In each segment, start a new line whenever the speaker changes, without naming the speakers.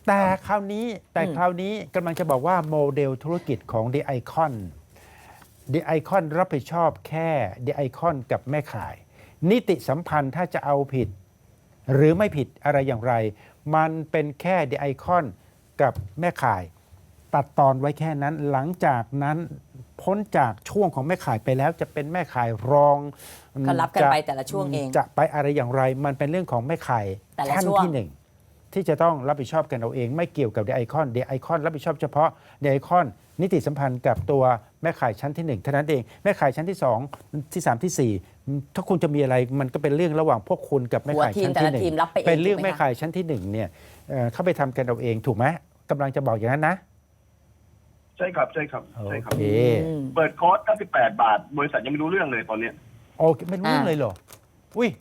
แต่คราวนี้กำลังจะบอกว่าโมเดลธุรกิจของ The Icon The Icon รับผิดชอบแค่ The Icon กับแม่ขายนิติสัมพันธ์ถ้าจะเอาผิดหรือไม่ผิดอะไรอย่างไรมันเป็นแค่ The Icon กับแม่ขายตัดตอนไว้แค่นั้นหลังจากนั้นพ้นจากช่วงของแม่ขายไปแล้วจะเป็นแม่ขายรอง
ก็รับกันไปแต่ละช่วงเอง
จะไปอะไรอย่างไรมันเป็นเรื่องของแม่ขายขั้นที่หนึ่งที่จะต้องรับผิดชอบกันเอาเองไม่เกี่ยวกับ The Icon The Icon รับผิดชอบเฉพาะ The Icon นิติสัมพันธ์กับตัวแม่ขายชั้นที่1เท่านั้นเองแม่ขายชั้นที่2ที่3ที่4ถ้าคุณจะมีอะไรมันก็เป็นเรื่องระหว่างพวกคุณกับแม่ขายชั้นที่1เป็นเรื่องแม่ขายชั้นที่1เนี่ยเข้าไปทำกันเอาเองถูกไหมกำลังจะบอกอย่างนั้นนะ
ใช่ครับใช่ครับใช่ครับ
โอเค
เปิดคอร์ส98 บาทบริษัทยังไม่รู้เรื่องเลยตอนเนี้ย
โอเคไม่รู้เรื่องเลยเหรออุ้ย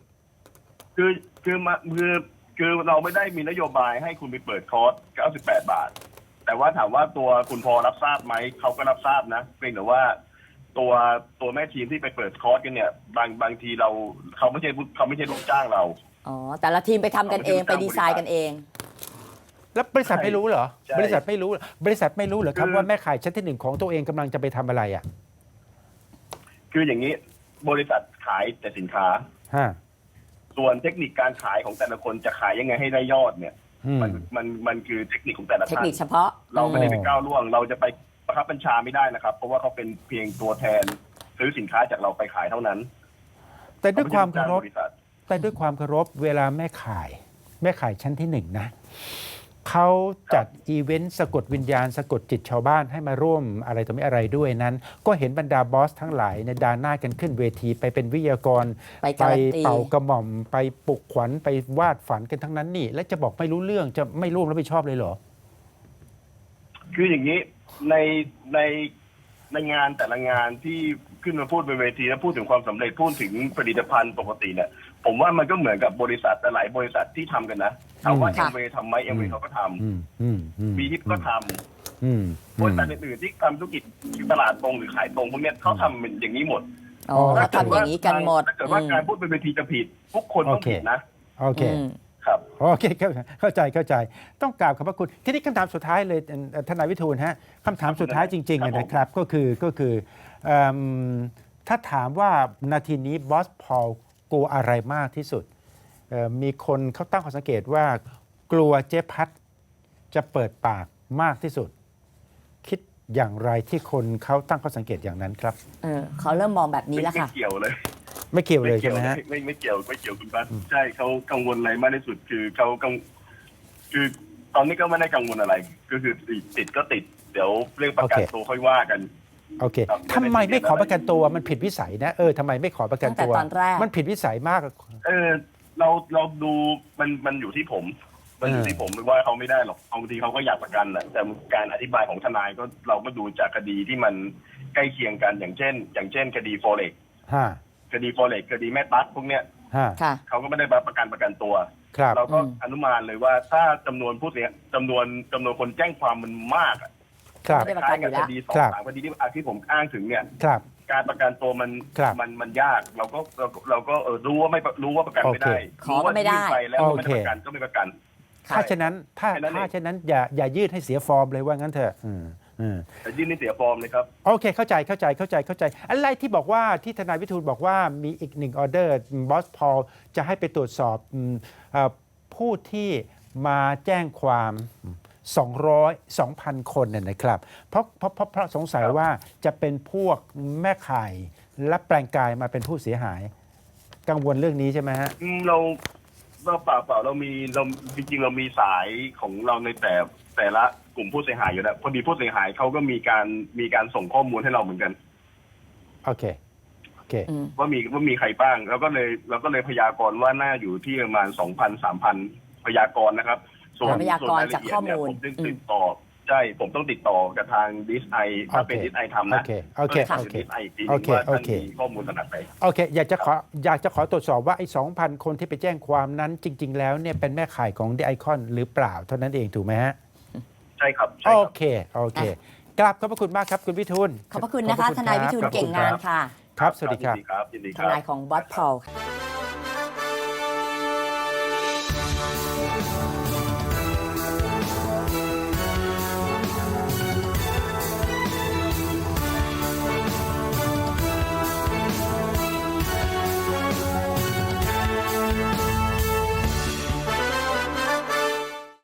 คือเราไม่ได้มีนโยบายให้คุณไปเปิดคอร์ส98 บาทแต่ว่าถามว่าตัวคุณพอรับทราบไหมเขาก็รับทราบนะเพียงแต่ว่าตัวแม่ทีมที่ไปเปิดคอร์สกันเนี่ยบางทีเขาไม่ใช่ลูกจ้างเรา
อ๋อแต่ละทีมไปทำกันเองไปดีไซน์กันเอง
แล้วบริษัทไม่รู้เหรอบริษัทไม่รู้เหรอครับว่าแม่ขายชั้นที่1ของตัวเองกำลังจะไปทำอะไรอ่ะ
คืออย่างนี้บริษัทขายแต่สินค้าส่วนเทคนิคการขายของแต่ละคนจะขายยังไงให้ได้ยอดเนี่ยมันคือเทคนิคของแต่ละท่าน
เทคนิคเฉพาะ
เราไม่ได้ไปก้าวล่วงเราจะไปบังคับบัญชาไม่ได้นะครับเพราะว่าเขาเป็นเพียงตัวแทนซื้อสินค้าจากเราไปขายเท่านั้น
แต่ด้วยความเคารพเวลาแม่ขายชั้นที่1นะเขาจัดอีเวนต์สะกดวิญญาณสะกดจิตชาวบ้านให้มาร่วมอะไรต่อไม่อะไรด้วยนั้นก็เห็นบรรดาบอสทั้งหลายในดาหน้ากันขึ้นเวทีไปเป็นวิทยากร
ไป
เป่ากระหม่อมไปปลุกขวัญไปวาดฝันกันทั้งนั้นนี่และจะบอกไม่รู้เรื่องจะไม่ร่วมรับผิดชอบเลยเหรอ
คืออย่างนี้ในงานแต่ละงานที่ขึ้นมาพูดบนเวทีแล้วพูดถึงความสำเร็จพูดถึงผลิตภัณฑ์ปกติเนี่ยผมว่ามันก็เหมือนกับบริษัทหลายบริษัทที่ทำกันนะถามว่าเอ็มเวย์ทำไหมเอ็มเวย์เขาก็ทำบีฮิปก็ทำบริษัทอื่นๆที่ทำธุรกิจตลาดตรงหรือขายตรงพวกนี้เขาทำเป็นอย่างนี้หมด
ถ้าทำอย่างนี้กันหมด
ถ้าเกิดว่าการพูดบนเวทีจะผิดทุกคนต้องผิดนะ
โอเคโอเคเข้าใจต้องกราบขอบพระคุณทีนี้คำถามสุดท้ายเลยทนายวิทูลฮะคำถามสุดท้ายจริงๆนะครับก็คือถ้าถามว่านาทีนี้บอสพอลกลัวอะไรมากที่สุดมีคนเขาตั้งข้อสังเกตว่ากลัวเจ๊พัดจะเปิดปากมากที่สุดคิดอย่างไรที่คนเขาตั้งข้อสังเกตอย่างนั้นครับ
เขาเริ่มมองแบบนี้แล้วค่ะ
ไม่เกี่ยวเลย
ใช่ไหมฮะ
ไม่เกี่ยวคุณพัดใช่เขากังวลอะไรมากที่สุดคือเขาคือตอนนี้ก็ไม่ได้กังวลอะไรก็คือติดก็ติดเดี๋ยวเรื่องประกันตัวค่อยว่ากัน
โอเคทำไมไม่ขอประกันตัวมันผิดวิสัยนะทำไมไม่ขอประกันตัวมันผิดวิสัยมาก
เราดูมันอยู่ที่ผมมันอยู่ที่ผมไม่ว่าเขาไม่ได้หรอกบางทีเขาก็อยากประกันแหละแต่การอธิบายของทนายก็เราก็ดูจากคดีที่มันใกล้เคียงกันอย่างเช่นคดีโฟเร็กคดีแม่ตั๊กพวกเนี้ยเขาก็ไม่ได้ประกันตัวเราก็อนุมานเลยว่าถ้าจำนวนผู้เสียจำนวนคนแจ้งความมันมาก
ไม่ได้ประกันอยู่แล้ว
คดี2-3คดีที่ผมอ้างถึงเนี่ยการประกันตัวมันยากเราก็รู้ว่าประกันไม่ได้
ขอก็ไม่ได้
แล้วไม่ได้ประกันก็ไม่ประกัน
ถ้าฉะนั้นอย่ายืดให้เสียฟอร์มเลยว่างั้นเถอะ
แต่ยื่นให้เสียฟอร์มเลยครับ
โอเคเข้าใจอะไรที่บอกว่าที่ทนายวิทูลบอกว่ามีอีก1ออเดอร์บอสพอลจะให้ไปตรวจสอบผู้ที่มาแจ้งความ2,000 คนเนี่ยนะครับเพราะสงสัยว่าจะเป็นพวกแม่ข่ายและแปลงกายมาเป็นผู้เสียหายกังวลเรื่องนี้ใช่ไหมฮะ
เราเปล่าเราจริงๆเรามีสายของเราในแต่ละกลุ่มผู้เสียหายอยู่แล้วพอดีผู้เสียหายเขาก็มีการส่งข้อมูลให้เราเหมือนกัน
โอเค
ว่ามีใครบ้างเราก็เลยพยากรณ์ว่าน่าอยู่ที่ประมาณ 2,000-3,000 พยากรณ์นะครับส่วน
พยากรณ์จากข้อมูล
ผมต้องติดต่อกับทางดิสไอถ้าเป็นดิสไอทำนะดิสไออีกทีว่าท่านมีข้อมูลขนาดไหน
โอเคอยากจะขอตรวจสอบว่าไอ้ 2,000 คนที่ไปแจ้งความนั้นจริงๆแล้วเนี่ยเป็นแม่ข่ายของ The Icon หรือเปล่าเท่านั้นเองถูกไหมฮะ
ใช่ครับ
โอเคกราบขอบพระคุณมากครับคุณวิทูล
ขอบพระคุณนะคะทนายวิทูลเก่งงานค่ะ
ครับสวัสดีครับ
ทนายของบอสพอล